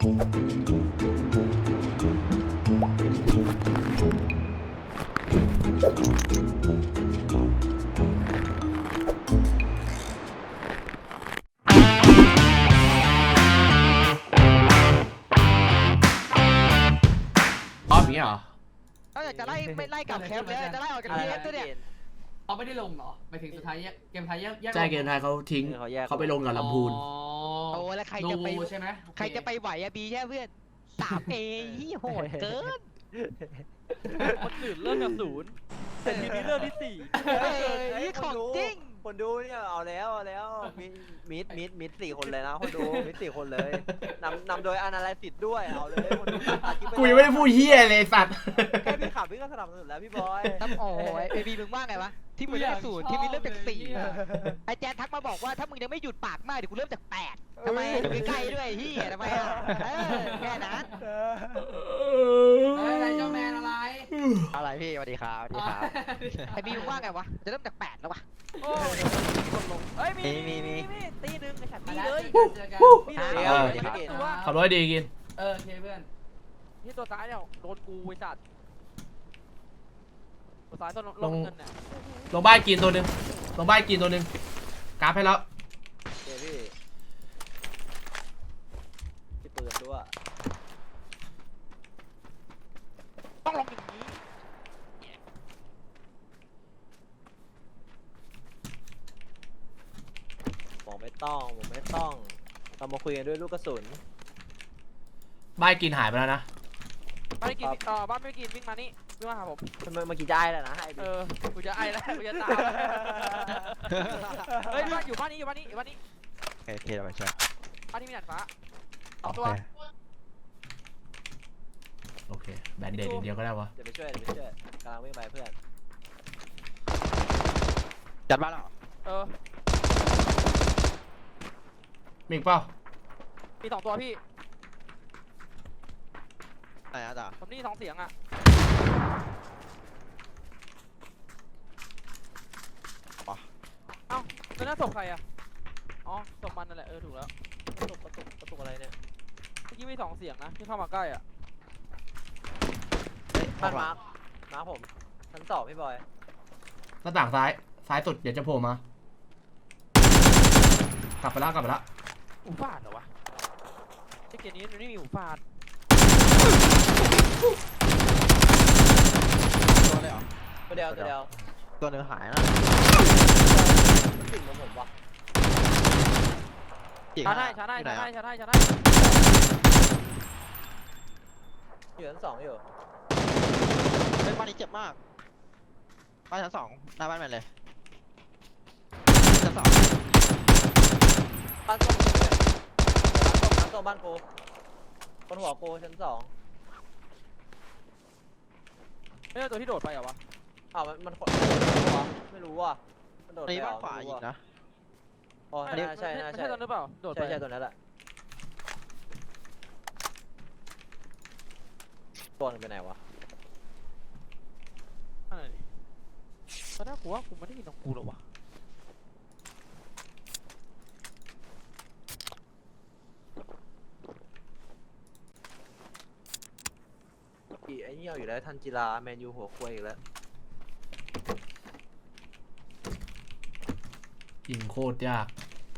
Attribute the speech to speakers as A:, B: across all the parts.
A: นี้เหรอ
B: เขาอยากจะไล่ไม่ไล่กลับแคมป์เลยจะไล่ออกจากแคมป์ด้วยเนี่ย
C: เขาไม่ได้ลงเหรอไปถึงสุดท้ายเกมไทยแยก
A: ใช่เกมไทยเขาทิ้งเขาไปลงกับลำพูน
B: โอ้แล้วใครจะไป
C: ใช่ไหม
B: ใครจะไปไหวอะบีใช่เพื่อน3A ที่โหดเกิน
D: คนอื่นเริ่มจาก0แต่ทีนี้เริ่มที่4
B: นี่ของจริง
E: คนดูเนี่ยเอาแล้วมิด4 คนเลยนะคนดูมิด4 คนเลยนำโดยอนาลิซิสด้วยเอาเลยคนดู
A: กูยังไม่ได้พูดเฮียเลยสัตว์
E: แค่พี่ขับพี่ก็สนับสนุนแล้วพี่บอย
B: โอ้ยเอบีมึงว่าไงวะที่มึงเริ่ม0ที่มึงเริ่มจาก4ไอแจนทักมาบอกว่าถ้ามึงยังไม่หยุดปากมากเดี๋ยวกูเริ่มจาก8ทำไมใกล้ด้วยเฮียทำไมอ่ะแค่นั้น
C: อะไรเจ้าแมนอะไร
B: พี่สวัสดีครับสวัสดีครับไอบีมึงว่าไงวะจะเริ่มจาก8แล้ววะ
D: โอ้ยคนลงเฮ้ยมีตีหนึ่งไอ้ฉันมีเลย
A: ขับรถดีกิน
C: โอเคเพื่อน
D: ที่ตัวซ้ายเนี่ยโดนกูไอ้สัตว์ตัวซ้ายตัวลงเงินเนี่ย
A: ลงบ้านกินตัวนึงลงบ้านกินตัวนึงกราฟให้แล้ว
E: พี่ปืนด้วย
D: ต้องลงอย่างนี้
E: ผมไม่ต้องเรามาคุยกันด้วยลูกกระสุน
A: บ้านกินหายไปแล้วนะ
D: บ้านไม่กินบ้านไม่กินวิ่งมานี่วิ่งมาหาผม
E: เมื่อกี้จะไอ้แล้วนะ
D: กูจะไอ้แล้วกูจะตามเฮ้ยบ้านอยู่บ้านนี้อยู่บ้านนี้
F: โอเคเราไปช่วย
D: บ้านนี้มีหนังฟ้า2 ตัว
A: โอเคแบนเดดอย่างเดียวก็ได้วะ
E: เดี๋ยวไปช่วยกำลังวิ่งไปเพื่อน
F: จัดบ้านแล้ว
A: มีอีกเปล่า
D: มี2 ตัวพี่
F: ไหนอะจ๊ะ
D: ผมนี่2 เสียงอ่ะเอ้าแล้วน่าศพใครอ่ะอ๋อศพมันนั่นแหละถูกแล้ว
E: กระตุกอะไรเนี่ย
D: เมื่อกี้มี2 เสียงนะที่เข้ามาใกล้อ่ะ
E: บ้านมาร์คผมชั้น2พี่บอย
A: หน้าต่างซ้ายสุดเดี๋ยวจะโผล่มากลับไปแล้ว
D: หูฟาดเหรอวะไอ้เกมนี้มันไม่มีหูฟาด
F: ตัวเลยเหรอ
E: ตัวเดียว
F: ตัวนึงหายนะ
E: สิ่งของผมวะ
D: ช้าได้อยู่
E: ชั้น2อยู่
F: เป็นบ้านนี้เจ็บมากบ้านชั้น2หน้าบ้านแมนเลยชั้น2
E: บ้านส้มบ้านกูคนหัวกูชั้น2
D: ไม่ใช่ตัวที่โดดไปเหรอวะ
E: มันไม่รู้ว่ะมันโดดไป
F: บ้านขวาอีกนะ
E: อ๋อใช่
D: ตัวนั้นเปล่าโดดไป
E: ใช่ตัวนั้นแหละตัวนึงไปไหนวะ
D: อะไรนี่ตอนแรกกูว่ากูไม่ได้ยินของกูหรอวะ
E: ไอ้นี่เอาอยู่แล้วทันจิราแมนยูหัวควยอีกแล้ว
A: ยิงโคตรยาก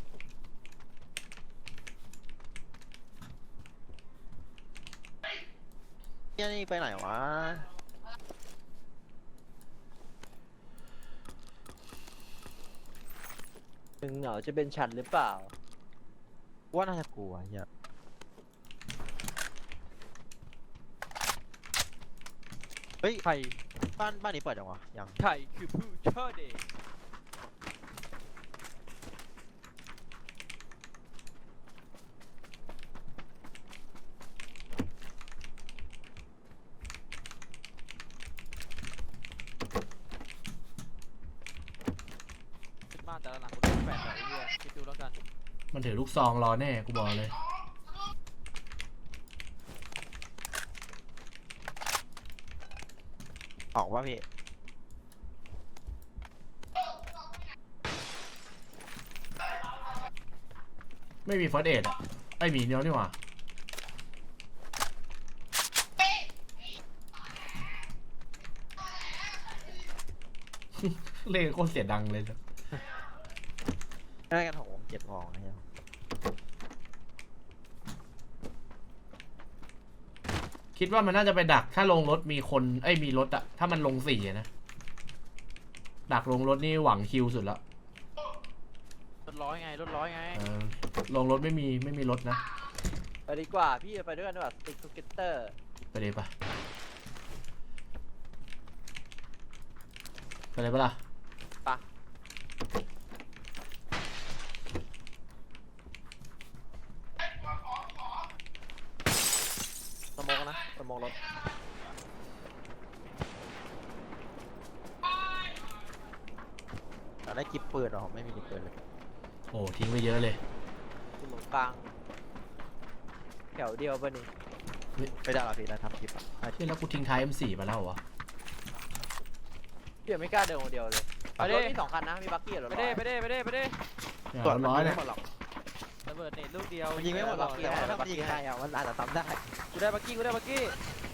F: นี่ไปไหนวะ
E: มึงเหงาจะเป็นฉันหรือเปล่า
F: ว่าน่าจะกลัวเหี้ยเฮ้ย
D: ใคร
F: บ้านนี้เปิดยังวะยัง
D: ใครคือผู้เชิดเองบ้านแต่ละหลังกูต้อง8แบบไอ้เหี้ยคิดดูแล้วกัน
A: มันถือลูกซองรอแน่กูบอกเลย
F: ออกว่าพี่
A: ไม่มีเฟิร์สเอดอ่ะไอ้หมีเนี้ยนี่หว่าเล่นโคตรเสียดังเลย
F: ได้กันหกเจ็ดวองนะเนี่ย
A: คิดว่ามันน่าจะไปดักถ้าลงรถมีคนมีรถอะถ้ามันลง4นะดักลงรถนี่หวังคิวสุดแล้ว
D: รถร้อยไงรถร้อยไง
A: ลงรถไม่มีรถนะ
E: ไปดีกว่าพี่ไปด้วยกันดีกว่าสติ๊กทูเกเตอร์
A: ไปเลยปะไปเลยปะล่ะ
E: ปะสมองนะสมองรถ
F: แต่ได้กิบปืนหรอไม่มีกิบปืนเลย
A: โอ้ทิ้งไปเยอะเลย
E: สมองกลางแถวเดียวป่ะนี่
F: ไม่ได้หรอพี่ได้ทำกิบอ่ะ
A: เที่ยแล้วกูทิ้งท้าย M4 มาแล้วเหรอวะ
E: พี่ยังไม่กล้าเดินคนเดียวเลยรถมี2 คันนะมีบักกี้กับรถ
D: ไปเด้ไปเด้ไปเด้ไปเด้
A: เนี่ย
F: ส่วน
A: ร้อยเนี่ย
F: ไม่หมดหรอก
D: ระเบิดเน็ตลูกเดียว
F: มันยิงไม่หมดหรอกแต่ว่าถ้ามันยิงใครอ่ะมันอาจจะซ้ำได้
D: กูได้บักกี้กูได้บักกี้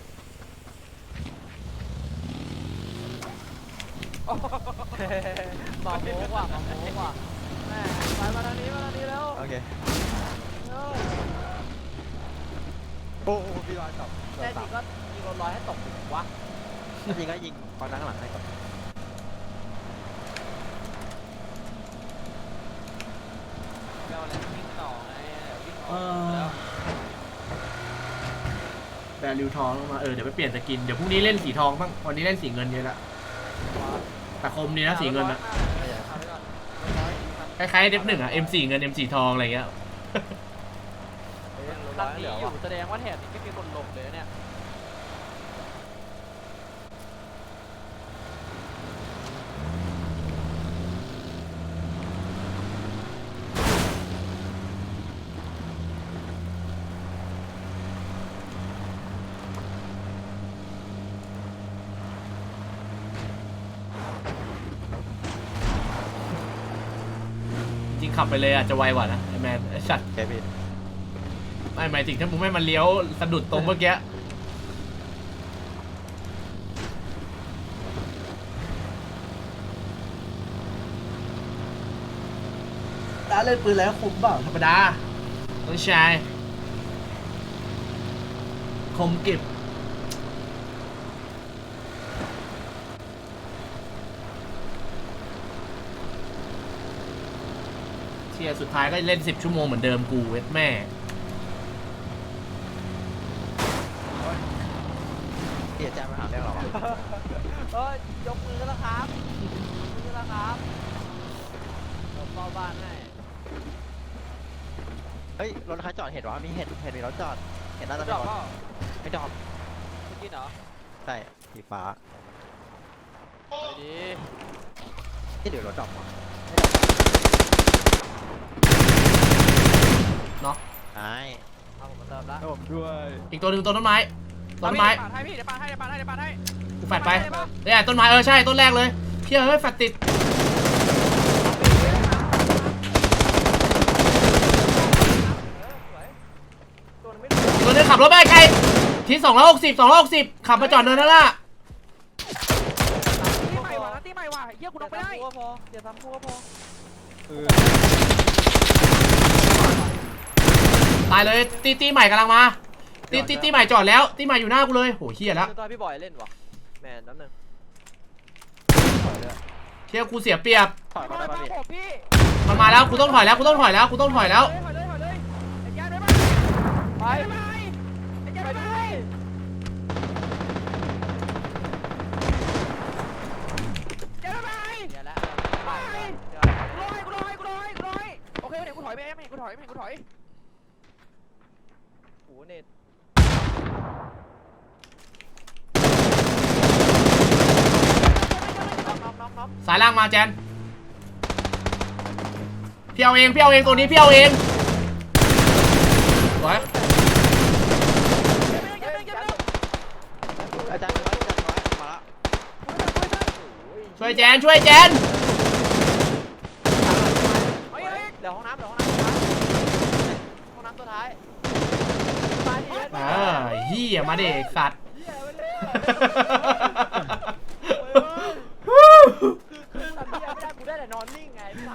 D: โอ้โห
E: มาโม้ว่ะมาโม้ว่ะ
D: แม่ไปมาทางนี้แล้ว
F: โอเคโอ้พี่รอยกับ
E: แน่จริงก็ยิงรถร้อยให้ตกถึงวะ
F: ถ้ายิงก็ยิงตอนนั่งหลังให้ก่อน
D: เอาอะไรวิ่งต่อไงวิ่ง
A: เอ
D: ต่อ
A: อ
D: แล้ว
A: แบริวทองลงมาเดี๋ยวไปเปลี่ยนสกินเดี๋ยวพรุ่งนี้เล่นสีทองบ้างวันนี้เล่นสีเงินเยอะละแต่คมดีนะสีเงินอะคล้ายๆเด็บหนึ่งอะ M4 เงิน M4 ทองอะไรเงี้ย
D: หลังนี้อยู่แสดงว่าแถบนี้ไม่มีคนลงเลยเนี่ย
A: จริงขับไปเลยอะจะไวกว่านะไอแมนไอสัตว์
F: โอเคพี่
A: ไม่หมายถึงถ้ามึงไม่มันเลี้ยวสะดุดตรงเมื่อกี้ร้านเล่นปืนแล้วคมเปล่าธรรมดาต้องใช้คมกริบเชียร์สุดท้ายก็เล่น10 ชั่วโมงเหมือนเดิมกูเวทแม่
F: เดี๋ยวแจมมาหาเรื่องเราอ่ะ
E: ยกมือแล้วครับยกมือแล้วครับเราเฝ้าบ้านให้
F: เฮ้ยรถใครจอดเห็นวะมีเห็นมีรถจอดเห็นน่าจะ
D: จ
F: ไม่
D: อด
F: รถ
D: เปล่า
F: ไม่จอด
D: เมื่อกี้เหรอ
F: ใช่สีฟ้า
D: ไปดี
F: ที่เดี๋ยวรถจอดมา
A: เนาะ
F: ใช่
E: เอาผมมาเติมละ
F: ผมด้วย
A: อีกตัวหนึ่งต้นไม้ต้นไม้
D: ปาดให้พี่เดี๋ยวปาดให้เดี๋ยวปาดให้เดี๋ยวปาดให้
A: กูแฟดไปเนี่ยต้นไม้ใช่ต้นแรกเลยเพี่ยเฮ้ยแฟดติดตัวนึงขับรถไปไกลที่260ขับมาจอดเนินนั่นละ
D: ตีใหม่ว่ะตีใหม่ว่ะเฮียกูลงไม่ได้
E: พอเดี๋ยวทำพัวพอ
A: ตายเลยตีใหม่กำลังมาตีใหม่จอดแล้วตีใหม่อยู่หน้ากูเลยโหเฮียแล้ว
E: ตัวพี่บอยเล่นวะแมนน้ำหนึ่ง
A: เฮียกูเสียเปรียบ
F: ถอยมาได้ป่ะพี่
D: ผมพี่
A: มันมาแล้วกูต้องถอยแล้วไอ้แย่ด้วยมั้ย
D: ไปไอ้แย่ด้วยมั้ยแย่ด้วยมั้ย
E: เดี๋ยวละ
D: ไปกูลอยโอเคเดี๋ยวกูถอยไปเองกูถอย
E: โอ้เน็ต น็อก
A: สายล่างมาแจนพี่เอาเองตัวนี้พี่เอาเองสวย
F: อาจารย์น้อยมาละ
A: ช่วยแจน
E: เดี๋ยวห้องน้ำห้องน้ำตัวท้าย
A: เฮียมาเด็กสัตว์
E: คือ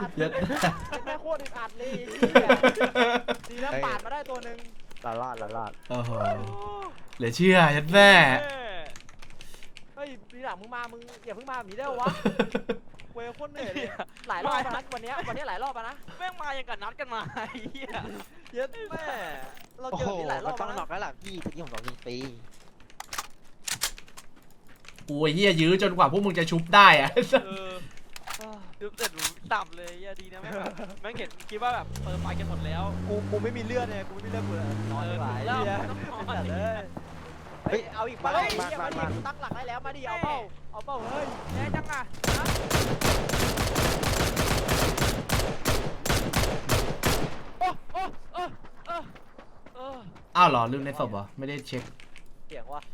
A: ยัด
E: แม่โคตรอึดอัดเลยดีนะปาดมาได้ตัวหนึ่งลาด
A: โอ้โหเหลือเชื่อยัดแม่
E: เฮ้ยปีหลังมึงอย่าเพิ่งมาแบบนี้ได้วะเว้ยโคตรเหนื่อยเลยหลายรอบแล้วนะวันนี้หลายรอบแล้วนะ
D: แม่งมาอย่างกับนัดกันมาไอ้เหี้ย
E: เยอะแม่เรา
F: โอ้
E: เจ
F: โห
E: อนี่หลายรอบ
F: ต้อง
E: แล้ว
F: หนอก
E: นะ
F: แล้วล่ะพี่ตะกี้ผมบอกยิงฟรี
A: โอ้ยเฮียยื้อจนกว่าพวกมึงจะชุบได้อะ
D: ดูเสร็จต่ำเลยดีนะแม่งแบบแม่งเห็นคิดว่าแบบไฟกันหมดแล้ว
E: กูไม่มีเลือดเนี่ยกูไม่มีเลือดกูเลยนอนดีกว่าไอ้เหี้ยเป็นแบบเลยเฮ้ยเอาอีกมาเลยมาดิตั้งหลักได้แล้วมาดิเอาเป้าเฮ้ย
D: แย่จังอ่ะโอ้
A: อ้าวเหรอลืมในศพเหรอไม่ได้เช็ค
E: เสียงวะ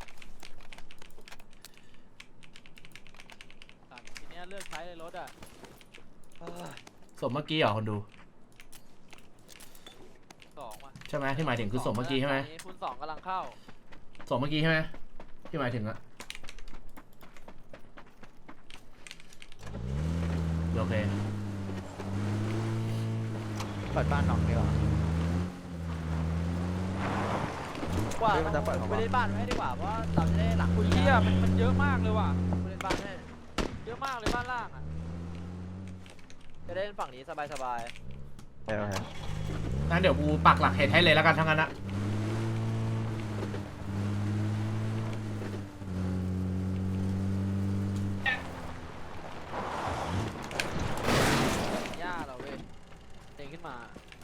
D: ทีเนี้ยเลือกใช้เลยรถอ่ะ
A: ศพเมื่อกี้เหรอคนดู
D: 2ว่ะ
A: ใช่ไหมที่หมายถึงคือศพเมื่อกี้ใช่ไหม
D: คูณ 2กำลังเข้า
A: ศพเมื่อกี้ใช่ไหมที่หมายถึงอะโอเค
F: เปิดบ้านหนอกดีกว่า
E: ว่า
F: เฮ้ยมันจะเปิดเหรอวะ
E: ไปเล่นบ้านไว้ดีกว่าเพราะเราจะได้หลัง
D: คุ
E: คุณ ณ
D: เหี้ยมันเยอะมากเลยว่ะ
E: เล่นบ้านให้
D: เยอะมากเลยบ้านล่างอ่ะ
E: จะได้เล่นฝั่งนี้สบาย
F: เดี๋ยว
A: งั้นเดี๋ยวกูปักหลักเห็ดให้เลยแล้วกันทั้งนั้นอะ
D: ย่าเราเว้ยเด้งขึ้นมา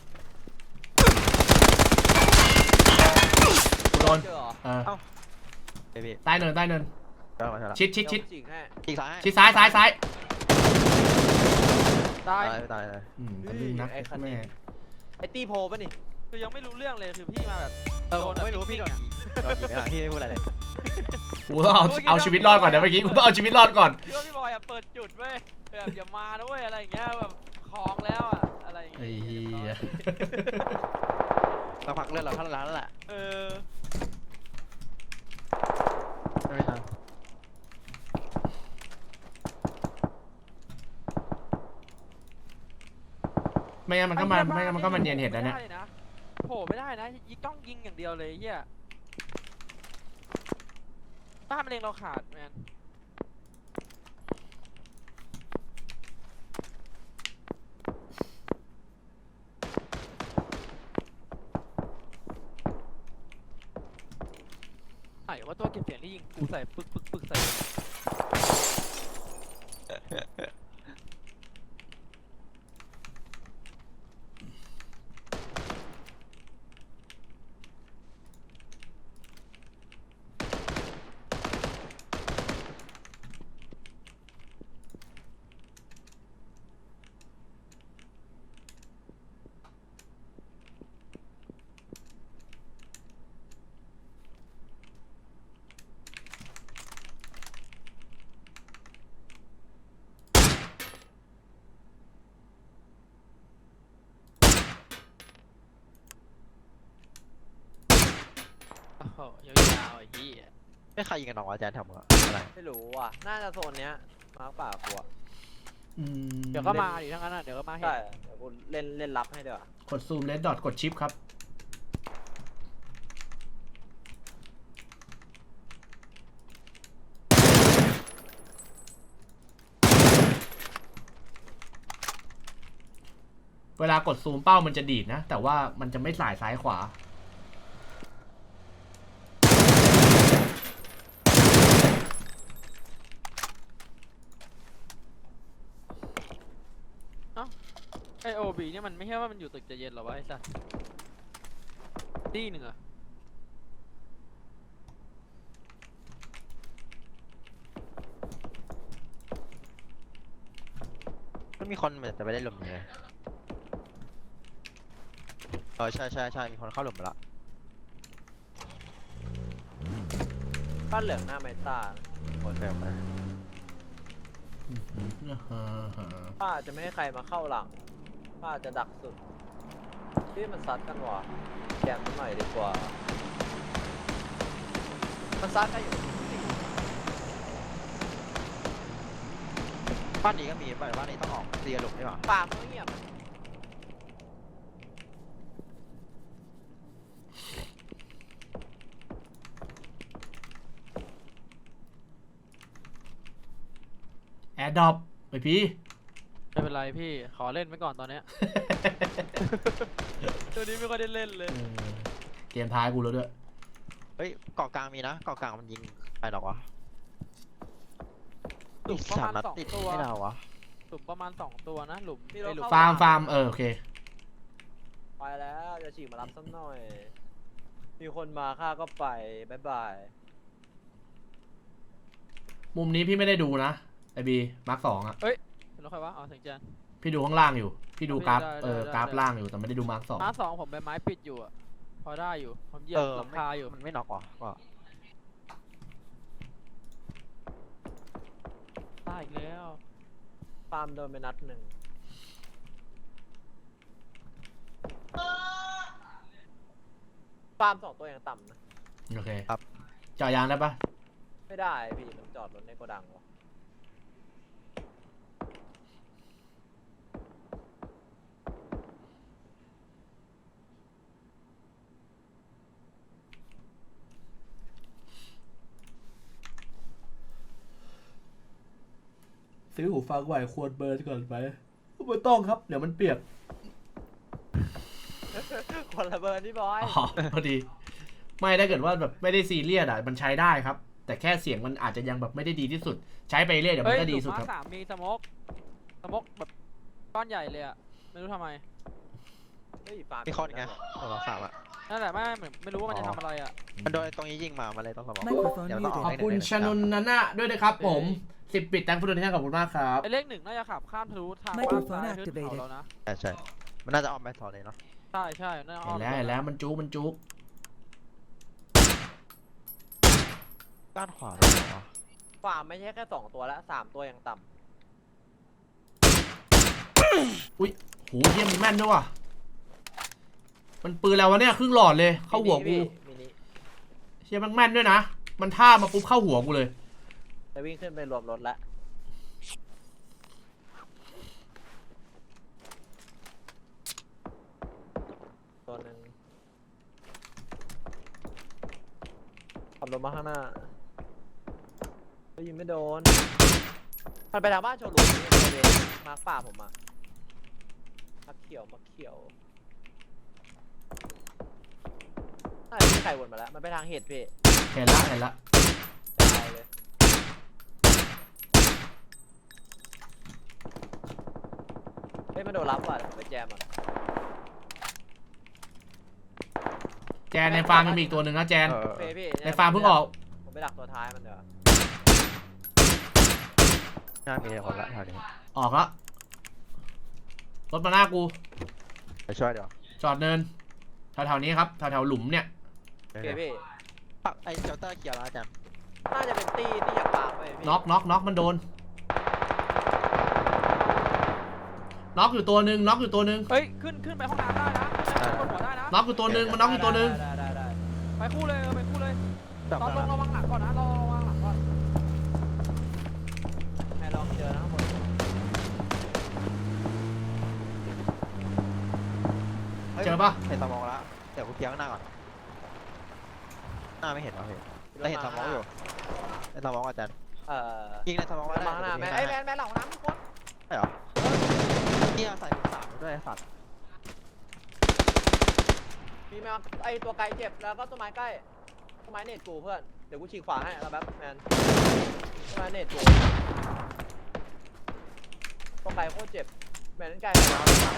A: กูโดน
E: ๆเจอเหรอ
A: เออ
F: เบบี้
A: ใต้เนินใต้เนิน
F: เดี๋ยวมาเถอะ
A: ชิดชิด
E: เดี๋
A: ชิด
E: ยวกูจิกให้
F: อีกซ้าย
A: ชิดซ้ายซ้ายซ้าย
D: ตาย
F: ตายเลย
A: ตะลึงนัก
E: ไอ้คันนี้
A: แม่
E: ไอ้ตีโพป่ะนี่
D: คือยังไม่รู้เรื่องเลยคือพี่มาแบบ
F: ผมไม่รู้พี่โดนยิงไม่หลังพี่ไม่พูดอะไรเลย
A: กูต้องเอาชีวิตรอดก่อนนะเมื่อกี้กูต้องเอาชีวิตรอดก่อน
D: คิดว่าพี่บอยอะเปิดจุดเว้ยแบบอย่ามานะเว้ยอะไรอย่างเงี้ยแบบคลองแล้วอะอะไรอย่าง
A: ไอ้
D: เงี้ย
A: เหี้ย
F: เราพักเลือดเราเท่านั้นแล้วแหละ
D: เออ
F: ไม่ทัน
A: ไม่งั้นมันก็มาไม่งั้นมันก็มาเนียนเห็ดแล้วเนี่ย
D: ไม่ได้ะโผล่ไม่ได้นะยิงต้องยิงอย่างเดียวเลยเฮียบ้านมะเร็งเราขาดแมนไหนว่าตัวเก็บเสียงที่ยิงกูใส่ปึกใส่โอ้โหยาวๆไอ้เหี้ย
F: ไม่ใครยิงกันหรอกอาจารย์ทำอะไร
E: ไม่รู้ว่ะน่าจะโซนเนี้ยมาร์คป่ากลัว
A: อืม
D: เดี๋ยวก็มาดิทั้งนั้นอ่ะเดี๋ยวก็มาเห็น
E: ใช่เดี๋ยวกูเล่นรับให้เดี๋ยวาก
A: ดซูมเลดดอทกดชิปครับเวลากดซูมเป้ามันจะดีดนะ แต่ว่ามันจะไม่สายซ้ายขวา
D: ไอโอบีเนี่ยมันไม่ใช่ว่ามันอยู่ตึกจะเย็นหรอวะไอ้สัสตีหนึ่งอะ
F: มันมีคนเหมือนจะไปได้หลุมเลยใช่มีคนเข้าหลุมไปละ
E: บ้านเหลืองหน้าไมต้า
F: คนเดิมไป
E: ป้าจะไม่ให้ใครมาเข้าหลังป้าจะดักสุดที่มันซัดกันว่ะแกมมันหน่อยดีกว่ามันซัดกันอยู่
F: บ้านนี้ก็มีบ้านนี้ต้องออกเรียหลุมใช่ป่ะ
E: ปากมันเงียบ
A: แอร์ดรอปไปพี่
D: ไม่เป็นไรพี่ขอเล่นไว้ก่อนตอนเนี้ย ตัวนี้ไม่ค่อยได้เล่นเลย
A: เกมท้ายกูแล้วด้วย
F: เฮ้ยเกาะกลางมีนะเกาะกลางมันยิงไปหรอกวะ
D: หลุมประมาณ
F: นัด
D: 2
F: ติด
D: ตัว
F: ไม่ได้วะ
D: หลุมประมาณ2 ตัวนะหลุมไอ้หลุม
A: ฟาร์มโอเค
E: ไปแล้วจะฉีกมารับสักหน่อย มีคนมาข้าก็ไปบายบาย
A: มุมนี้พี่ไม่ได้ดูนะไอบีมาร์ค2อ่ะ
D: แล้วใครวะอ๋อถึงจาน
A: พี่ดูข้างล่างอยู่ พี่ดูกราฟ
D: ได้ได้
A: กราฟล่างอยู่แต่ไม่ได้ดูมาร์ค2
D: ม้า2ผมใบไม้ปิดอยู่อะพอได้อยู่ผมเหยียบหลังคาอยู่
F: มันไม่น็อกวะก็
D: ได้อีกแล้ว
E: ฟาร์มโดนไปนัดหนึ่งฟาร์ม2 ตัวยังต่ำนะ
A: โอเคเจาะยางได้ปะ
E: ไม่ได้พี่มันจอดรถในโกดังวะ
A: ซื้อหูฟังไหวควรเบิร์นก่อนไปไม่ต้องครับเดี๋ยวมันเปียก
E: คนละเบอร์นี่บอย
A: อ๋อพอดี ไม่ถ้าเกิดว่าแบบไม่ได้ซีเรียสอ่ะมันใช้ได้ครับ แต่แค่เสียงมันอาจจะยังแบบไม่ได้ดีที่สุด ใช้ไปเรื่อยเดี๋ยว
D: เฮ้
A: มั
D: ย
A: นก็
D: ห
A: ดี
D: ลุม
A: สุด
D: ม้า
A: ครับ
D: 3มีสโมกแบบก้อนใหญ่เลยอะไม่รู้ทำไม
E: เฮ้ยฟาร์ม
F: มีคนไงตัวสามอ่ะ
D: นั่นแหละไม่รู้ว่ามันจะทำอะไรอะ
F: มันโดนตรงนี้ยิงมาเลยต้องสมอง
G: Microphone
F: เดี๋ยวต้องออก
A: ขอบ
F: ได้
A: คุณ
F: หนึ่ง
A: ชนนนันนะด้วยนะครับผม10 ปิดแตงฟุตบอลที่ขอบคุณมากครับ
D: ไอเลข 1น่าจะขับข้ามทะลุทางบ้าน
G: Microphone
D: ซ้ายขึ้นเขา
G: activated
D: แล้วนะ
F: ใช่มันน่าจะออมไปถอนเลยเนาะ
D: ใช่น่าจะอ้อม
A: เห็นแล้วมันจุกมันจุก
F: ด้านขวาเลยเหรอวะ
E: ฟาร์มไม่ใช่แค่2 ตัวแล้ว3 ตัวยังต่
A: โหเยี่ยมนแม่นด้วยว่ะมันปืนแล้ววะเนี่ยครึ่งหลอดเลย
E: ำ
A: เข้าหัวกู
E: มินิ
A: เชี่ยมันแม่นด้วยนะมันท่ามาปุ๊บเข้าหัวกูเลย
E: จะวิ่งขึ้นไปรวมรถแล้วตัวหนึ่งขับรถมาข้างหน้าก็ยิงไม่โดน มันไปทางบ้านโชว์หลุมนี่เลยมาร์คป่าผมอะมาร์คเขียวน่าจะมีใครวนมาแล้ว มันไปทางเห็ดพี่
A: เห็นละ
E: ตายเลยเฮ้ยมันโดนรับว่ะเดี๋ยวผมไปแจมอ่ะ
A: แจนในฟาร์มมันมีอีกตัวหนึ่งนะแจน
F: เออ
E: โอเคพี่
A: ในฟาร์มเพิ่งออก
E: ผมไปดักตัวท้ายมันเดี๋ยวา
F: น่ามีคนละแถวนี้
A: ออกละรถมาหน้ากู
F: ไปช่วยเดี๋ยว
A: จอดเนินแถวๆนี้ครับแถวๆหลุมเนี่ย
E: โอเคพี่
F: ปักไอ้เจ้าเตอร์เกียร์แล้วอาจารย์
E: น่าจะเป็นตีที่อยากปากไปพี่
A: น็อกมันโดนน็อกอยู่ตัวหนึ่ง
D: เฮ้ยขึ้นไปห้องน้ำได้นะขึ้นไปบนหัวได้นะ
A: น็อกอยู่ตัวหนึ่งมันน็อกอยู่ตัวหนึ่ง
E: ได้
D: ไปคู่เลยไปคู่เลย
F: จับ
D: ตอนล
F: มาง
D: ระวังหลังก่อนนะระวังหลังก่อน
E: แม่ลองเจอนะข้างบน
A: เจอปะ
F: เห็นสมองแล้วเดี๋ยวกูเคลียร์ข้างหน้าก่อนหน้าไม่เห็นเหรอพี่แต่เห็นสมองอยู่ในสมองอาจารย์ ยิงในสมองไว้ได้
E: มาข้างหน้าแม่ไอ้แมนหลังน้ำทุกคน
F: ใช่เหรอเนี่ยใส่ถุงสามด้วยไอ้สัตว์
E: มีแมวไอตัวไกลเจ็บแล้วก็ต้นไม้ใกล้ต้นไม้เน็ตกูเพื่อนเดี๋ยวกูฉีกขวาให้แล้วแป๊บแมนต้นไม้เน็ตกูตัวไกลโคตรเจ็บแมนนั่นไกลกว่า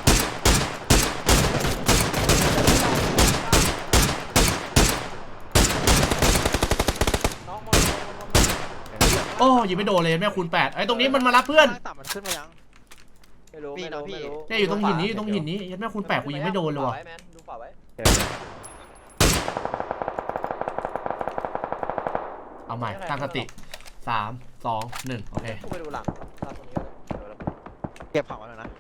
E: น้องมน
A: โอ้ยิงไม่โดนเลยแม่คูณ8ไอ้ตรงนี้มันมารับเพื่อน
F: ต่ำมันขึ้นมายัง
E: ไม่รู้
A: เนี่ยอยู่ตรงหินนี้แม่คูณ8กูยิงไม่โดนเลยว่ะ
E: แมนดูขวาไว้
A: เอาใหม่ตั้งสติ3 2 1โอเค
E: กูไปดูหลังตรงนี้เลย
F: เก็บของมาแล้วนะ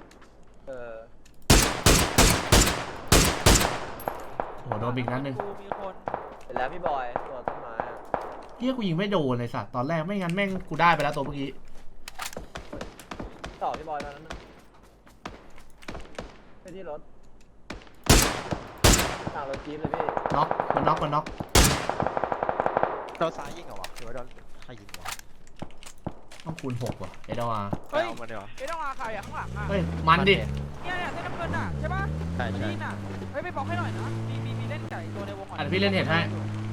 A: โหโดนอีกนัดหนึ่ง
D: กูมีคน
E: เห็นแล้วพี่บอยตัวต้นไม้
A: เฮียกูยิงไม่โดนเลยสัตว์ตอนแรกไม่งั้นแม่งกูได้ไปแล้วตัวเมื่อกี้
E: ต่อพี่บอยตอนนั้นนะไปที่รถต่างรถจี๊ปเลยพี่
A: น็อกมันน็อก
F: โดนซ้ายยิงเหรอวะหรือว่าโดนใครยิงวะ
A: ต้องคูณ6ว่ะเอดอา
D: เฮ้ย
F: เอามาดีกว่า
D: เอ้ต้องอาใครอ่ะข้างหลังอ่ะ
A: เฮ้ยมันดิ
D: เนี่ยเส้นน้ำเงินอ่ะใช่ปะ
F: ใช่
D: มัน
F: ใช่
D: นี่น่ะเฮ้ยไปบล็อกให้หน่อยนะมีเล่นไก่ตัวในวงก่อน
A: อ่ะพี่เล่นเห็นให้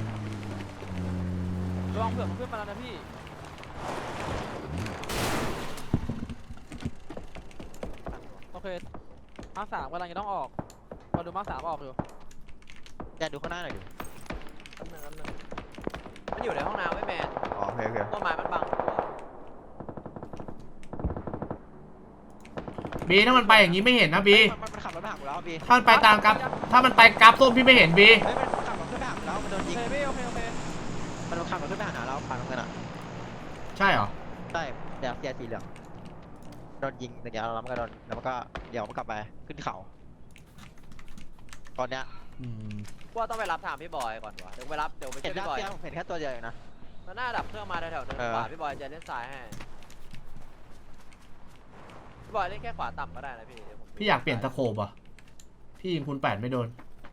D: ระวังเผื่อมันขึ้นมาแล้วนะพี่โอเคมาร์ค3กำลังจะต้องออกพอดูมาร์ค3ออกอยู่
F: แกดูข้างหน้าหน่อยดิ
E: อันหนึ่งมันอยู่ในห้องน้ำไม่แมน
F: อ๋อโอเคโอเค
E: ต้นไม้มันบัง
A: บีถ้ามันไปอย่างนี้ไม่เห็นนะบี
F: มันขับรถมาหากูแล้วบี
A: ถ้ามันไปตามกราฟถ้ามันไปกราฟส้มพี่ไม่เห็นบี
F: เฮ้ยมันขับรถขึ้นไปหากูแล้วมันโดน
D: โอ
F: ยิง
D: เคพี่โอเค
F: มันขับรถขึ้นไปหาเราผ่านตรงนั้นอ่ะ
A: ใช่เหรอ
F: ใช่เดี๋ยวเสียสีเหลืองโดนยิงเดี๋ยวแล้วมันก็โดนแล้วมันก็เดี๋ยวมันกลับไปขึ้นเขาตอนเนี้ย
A: อืม
E: ว่าต้องไปรับถามพี่บอยก่อนวะเดี๋ยวไปรับเดี๋ยวไป
F: เห็
E: เจ
F: น
E: อ
F: หน้า
E: พี่บอย
F: เสียผมเห็นแค่ตัวเดียวเองนะ
E: มันน่าดับเครื่องมาแถวๆนึงขวาพี่บอยจะเล่นซ้ายให้พี่บอยเล่นแค่ขวาต่ำก็ได้นะพี่เดี๋ยวผม
A: พี่อยากเปลี่ยนตะโขบอ่ะพี่ยิงคูณ8ไม่โดน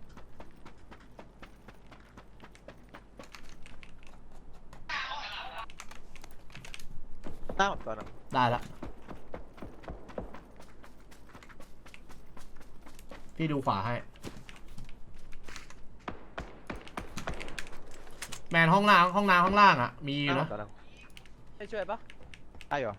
F: หน้าผมตัวนึง
A: ได้ละพี่ดูขวาให้แมนห้องน้ำข้างล่างอ่ะมีอยู่นะ
F: ตัวนึง
E: ให้ช่วยปะ
F: ได้เหรอ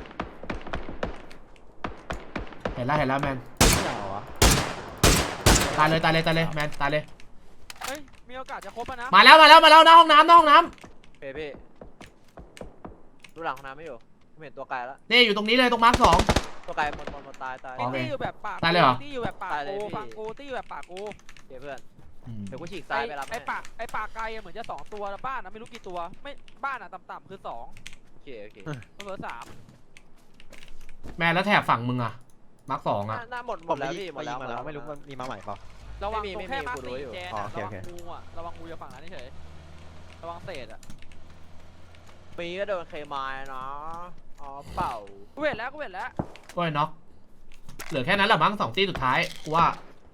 A: เห็นแล้วแมน
F: ไม่เหรอวะ
A: ตายเลยแมนตายเลย
D: เฮ้ยมีโอกาสจะครบนะ
A: มาแล้วหน้าห้องน้ำ
E: พี่ดูหลังห้องน้ำไม่อยู่ผมเห็นตัวไกลแล้ว
A: นี่อยู่ตรงนี้เลยตรงมาร์ค2
E: ตัวไกลหมดตาย
A: โอเค
D: ตี้อยู่แบบปาก
A: ตายเลยเหรอ
D: ตี้อยู่แบบปาก
E: ตายเลย
D: กู
E: พี่
D: ฟังกูตี้อยู่แบบปากกู
E: เดี๋ยวเพื่อน
A: อืม
E: เดี๋ยวกูฉีกซ้ายไปรับ
D: ไอ้ปากไกลอะเหมือนจะ2ตัวแล้วบ้านนะไม่รู้กี่ตัวไม่บ้านอะต่ำๆคือ2
E: โอเค
D: เหลือ3
A: แมนแล้วแถบฝั่งมึงอ่ะมาร์ค2อ่ะ
E: หน้าหมดแล้วพี่หมดแล้ว
F: ไม่รู้มันมีมาใหม่เปล่า
D: ระวัง
E: ไม่มี
D: ตรงแค่มาร์ค
E: กูรู้อยู่
D: 4แจน
F: อ๋อ
D: อะ
F: โอเค
D: ระวั
F: โอง เค
D: งูอะระวังงูจะฝั่งนั้นเฉยระวังเศษอะ
E: มีก็โดนเคมายเนาะอ๋อเปล่า
D: กูเห็นแล้ว
A: ก็ไอ้น็อกเหลือแค่นั้นแหละมั้ง2 ตีสุดท้ายกูว่า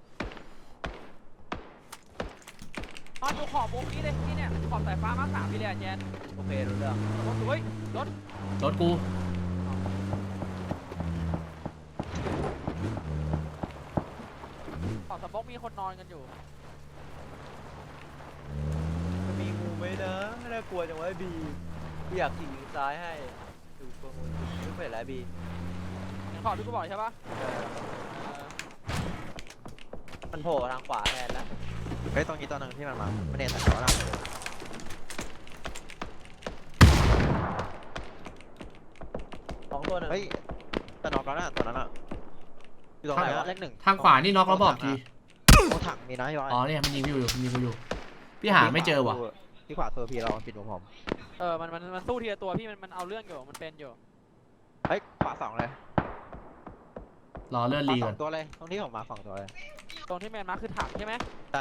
D: นอนอยู่ขอบวงนี้เลยนี่เนี่ยขอบสายฟ้ามาร์ค3พี่เลยอะแจน
E: โอเครู้เรื่อง
D: รถสวยรถ
A: รถกู
D: ขอบสมองมีคนนอนกันอยู่
E: มันมีงูไหมนะน่ากลัวจังวะบีอยากขี่ซ้ายให้ดูตัวงูไม่เป็นไรบี
D: เห็นขอบที่กูบอกใช่ปะ
E: มันโผล่ทางขวาแทนแล้ว
F: เฮ้ยตรงนี้ตัวนึงที่มันมาไม่ได้แต่เขาละ
E: 2 ตัวหนึ่ง
F: เฮ้ยแต่นอกแล้วนะตัวนั้นอ่ะอยู่ตรงไหนวะเลข 1
A: ทางขวานี่น็อกแล้วบอกที
F: ตรงถังมีนะพี่บอย
A: อ๋อเนี่ยมันยิงพี่อยู่พี่หาไม่เจอว่ะ
F: ที่ขวาตัวพี่เราปิดหัวผม
D: มันสู้ทีละตัวพี่มันเอาเรื่องอยู่มันเป็นอยู่
F: เฮ้ยขวา2เลย
A: รอเลื่อนลี
F: ข
A: ก่
F: วา
A: อน
F: 2ตัวเลยตรงที่ผมมา2ตัวเลย
D: ตรงที่แมนมาร์คคือถังใช่ไหม
F: ได้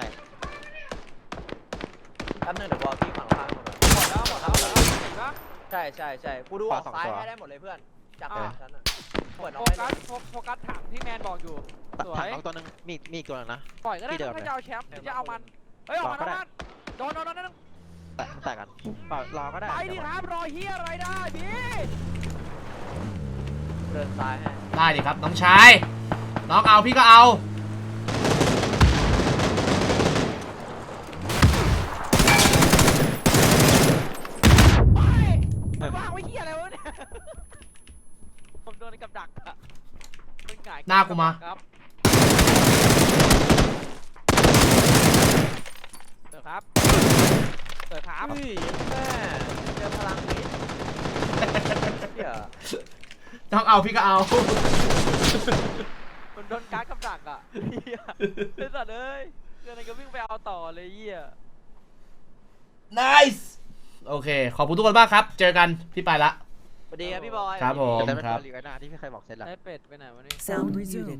E: แป๊บนึงเดี๋ยวบอลพี่ฝั่งข้างหมดเลย
D: หมดแล้วเห็นปะ
E: ใช่กูดูออกซ้ายให้ได้หมดเลยเพื่อนจากฉันอ่ะเปิด
D: โฟ
E: น้อย
D: กัสโฟกัสถังที่แมนบอกอยู่ สวย
F: ถังน้องตัวนึงมีอีกตัวนึงนะ
D: ปล่อยก็ได้
F: ที่เดิม
D: ถ้า
F: เลย
D: จะเอาแชมป์หรือจะเอามันเฮ้ยออกมาแล้วมันโดน
F: แต่กันรอก็ได้
D: ไปดิครับรอเฮียอะไรได้พี่
E: เดินซ้ายให้
A: ได้ดิครับน้องชายน้องเอาพี่ก็เอา
D: ไปว่างไว้เฮียอะไรวะเนี่ยผมโดนกับดักอะมันหงาย
A: หน้ากูมา
D: ครับเสิร์ฟครับ
E: เฮ้ยแม่เจอพลังนี้เดี๋ยว
A: น้องเอาพี่ก็เอา
D: มันโดนการ์ดกับดักอ่ะเฮียไอ้สัตว์เอ้ยเรื่องอะไรก็วิ่งไปเอาต่อเลยเฮีย
A: nice โอเคขอบคุณทุกคนมากครับเจอกันพี่ไปละ
E: สวัสดีครับพี่บอย
A: ครับผม
F: แต่เป็น
A: ครั
F: ตั
A: บ
F: วลีกไว้หน้าที่พี่เคยบอกเสร็จแล้ว
D: ได้เป็ดไปไหนวะนี่
G: Sound muted.